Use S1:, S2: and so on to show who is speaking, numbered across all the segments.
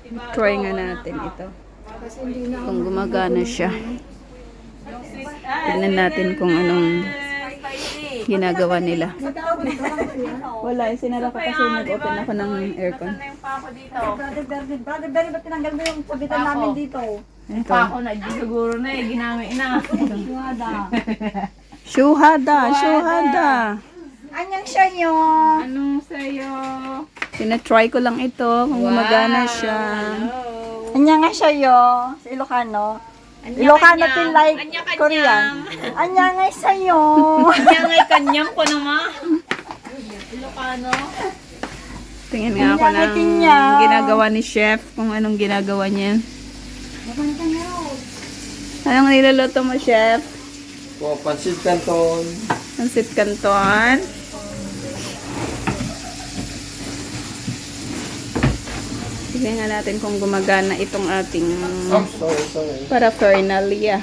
S1: Try nga natin ito. Kung gumagana siya. Tignan natin kung anong ginagawa nila. Wala, sinara ko kasi nag-open ako ng aircon.
S2: Brother Berry, ba't tinanggal mo yung sabitan namin dito?
S1: Ito.
S3: Ako na, di siguro na eh, ginamit na.
S1: Shuhada.
S2: Anyang siya nyo?
S3: Anong sa'yo?
S1: Tinatry ko lang ito kung gumagana siya.
S2: Anyang nga siya yo? Sa Ilocano? Ilocano till like Korean. Anyang nga sa'yo?
S3: Kanya nga'y kanyang ko naman. Ilocano.
S1: Tingin nga ako ng ginagawa ni chef, kung anong ginagawa niya. Anong niluluto mo, chef?
S4: Oh, pansit canton.
S1: Pansit canton. Tignan nga natin kung gumagana itong ating
S4: Oh, sorry.
S1: paraphernalia.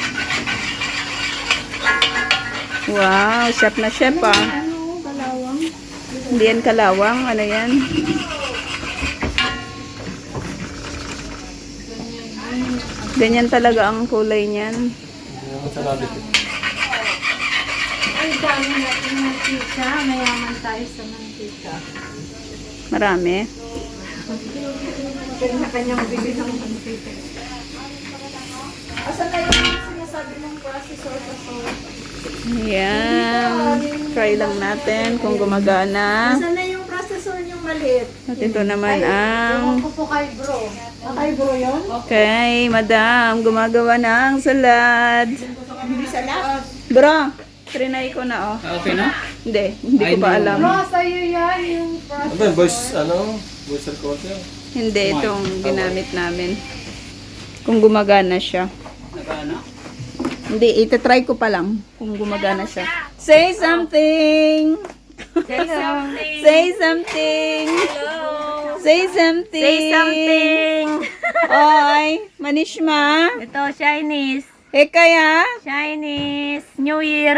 S1: Wow, chef na chef ah.
S2: Kalawang.
S1: Hindi yan kalawang, ano yan? Ganyan talaga ang kulay niyan.
S4: Hindi naman sa labit.
S2: Ay, dami natin mantika. Mayaman tayo sa mantika.
S1: Marami.
S2: Kanya-kanyang bibili ng mantika. Asan na yung sinasabi ng processor pa so?
S1: Ayan. Try lang natin kung gumagana.
S2: Asan na yung processor yung maliit?
S1: At ito naman ang...
S2: Ewan ko po kay bro. Kay bro yun?
S1: Okay, madam, gumagawa ng salad.
S2: Hindi salad.
S1: Bro, trinay ko na oh.
S4: Okay na?
S1: Hindi ko pa alam.
S2: Bro, sa'yo yan yung processor.
S4: Ano ba, voice recorder?
S1: Hindi, itong ginamit namin. Kung gumagana siya. Hindi, itatry ko pa lang kung gumagana siya. Say something!
S3: Say something.
S1: Say something!
S3: Hello.
S1: Say something!
S3: Say something.
S1: Oy, Manishma!
S3: Ito, Chinese.
S1: Kaya?
S3: Chinese. New Year.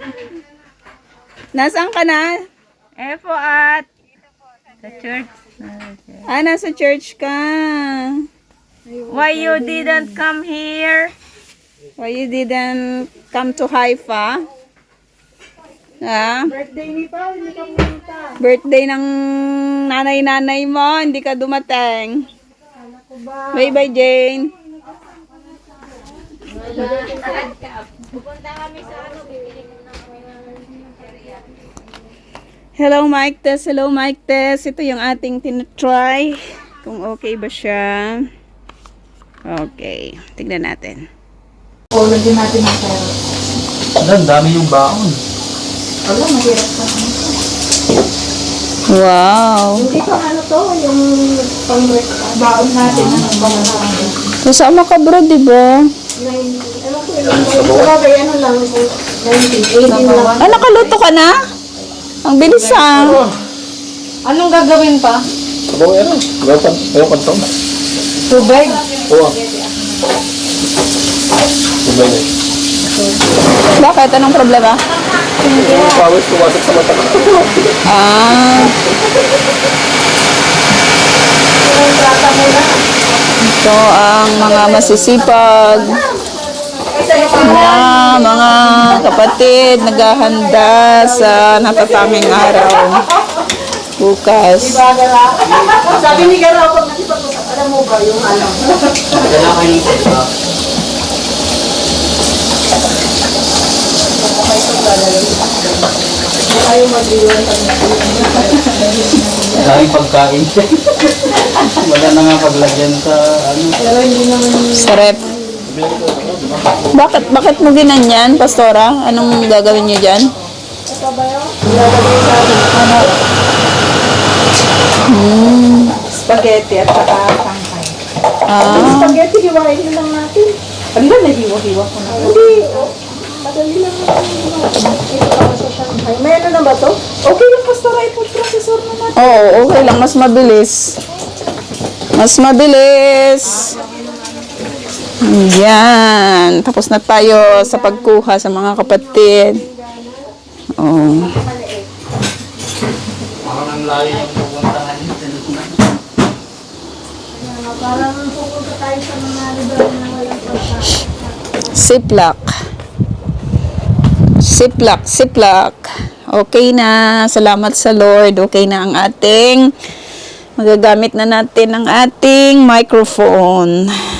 S1: Nasaan ka na?
S3: Po at sa church.
S1: Nasa church ka.
S3: Why you didn't come here?
S1: Why you didn't come to Haifa? Ha?
S2: Birthday ni Paul, hindi ka pumunta.
S1: Birthday ng nanay-nanay mo, hindi ka dumating.
S2: Ako ba?
S1: Bye-bye, Jane.
S3: Pupunta kami sa bibili ko na kami
S1: Hello, Mike Tess. Hello, Mike Tess. Ito yung ating tinatry. Kung okay ba siya. Okay. Tignan natin.
S2: O, lagyan natin ng pero.
S4: Ang dami yung baon.
S2: Alam, mahirap ka.
S1: Wow.
S2: Hindi pa ano to, yung pang-baon natin.
S1: Kasama ka bro, di ba?
S2: Ano ko yung sabagay, ano lang, 19, 18 lang.
S1: Ah, nakaluto ka na? Ang bilis ah.
S3: Anong gagawin pa?
S4: Sabaw yan. Ayaw kantong.
S3: Tubig.
S4: Oo. Sabay na.
S1: Bakit? Anong problema?
S4: Yung pawis pumasok sa mata ko.
S1: Ah. Ito ang mga masisipag na mga kapatid naghahanda sa natatanging araw bukas.
S2: Sabi ni Garo, pag nakipag-usap, alam mo ba yung ano? Ayaw mag-iwan pag
S5: Daming pagkain. Wala na nga paglagyan sa ano.
S2: pero hindi naman
S1: Sarap. Bakit mo ginanyan, Pastora? Anong gagawin niyo dyan?
S2: ito ba yun? Ilalagay sa ano? Spaghetti at saka tangkay.
S1: Ah,
S2: Spaghetti, hiwain na lang natin. Ano ba nahiwa-hiwa ko na? Hindi, madali lang natin. Ito ako sa Shanghai. May ano na ba to? Okay lang, Pastora, i-food processor na natin.
S1: oo, okay lang. Mas mabilis. Mas mabilis. Yan. Tapos na tayo sa pagkuha sa mga kapatid. Oh.
S5: Parang ang layo yung pupuntahan.
S2: mga parang pupunta tayo sa mga lugar na walang pagkain.
S1: Ziploc. Ziploc, ziploc. Okay na. Salamat sa Lord. Okay na ang ating magagamit na natin ang ating microphone.